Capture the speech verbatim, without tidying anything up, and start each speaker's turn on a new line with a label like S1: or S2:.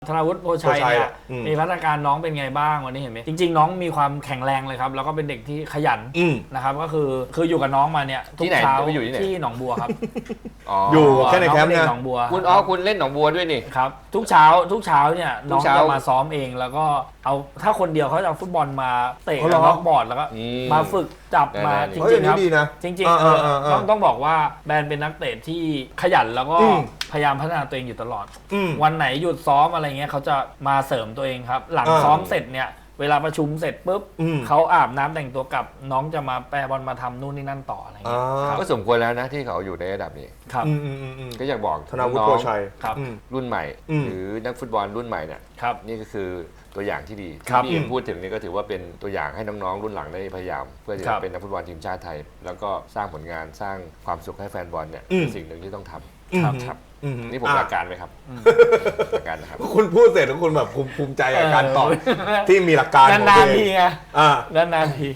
S1: ธนาวุฒิโพชัยเนี่ยมีพัฒนาการน้องเป็นไงบ้างวันนี้เห็นไหมจริงๆน้องมีความแข็งแรงเลยครับแล้วก็เป็นเด็กที่ขยันนะครับก็คือคืออยู่กับน้องมาเนี่ยทุกเช้าที่หนองบัวครับ
S2: อยู่แค่ในแคมป์เนี่ย
S1: หนองบัว
S3: คุณอ๋อคุณเล่นหนองบัวด้วยนี่
S1: ครับทุกเช้าทุกเช้าเนี่ยน้องจะมาซ้อมเองแล้วก็เอาถ้าคนเดียวเขาจะเอาฟุตบอลมาเตะกับน็อกบอร์ดแล้วก็มาฝึกจับมาจริงๆครับจริงๆต้องต้องบอกว่าแบรนด์เป็นนักเตะที่ขยันแล้วก็พยายามพัฒนาตัวเองอยู่ตลอดวันไหนหยุดซ้อมอะไรเงี้ยเขาจะมาเสริมตัวเองครับหลังซ้อมเสร็จเนี่ยเวลาประชุมเสร็จปุ๊บเขาอาบน้ำแต่งตัวกลับน้องจะมาแปรบอลมาทำนู่นนี่นั่นต่ออะไรเงี้ย
S3: ก็สมควรแล้วนะที่เขาอยู่ในระดับนี้
S1: ครับ
S3: ก็อยากบอก
S2: ธนาวุฒิโพชัย
S3: รุ่นใหม่หรือนักฟุตบอลรุ่นใหม่เนี่ยนี่ก็คือตัวอย่างที่ดีที่พี่พูดถึงนี่ก็ถือว่าเป็นตัวอย่างให้น้องๆรุ่นหลังได้พยายามเพื่อจะเป็นนักฟุตบอลทีมชาติไทยแล้วก็สร้างผลงานสร้างความสุขให้แฟนบอลเนี่ยเป็นสิ่งหนึ่งที่ต้องทำครับนี่ผมหลักการไหมครับหลักการนะครับ
S2: คุณพูดเสร็จแล้วคุณแบบภูมิใจกับการตอบที่มีหลักการ
S1: นานๆทีไงนานๆที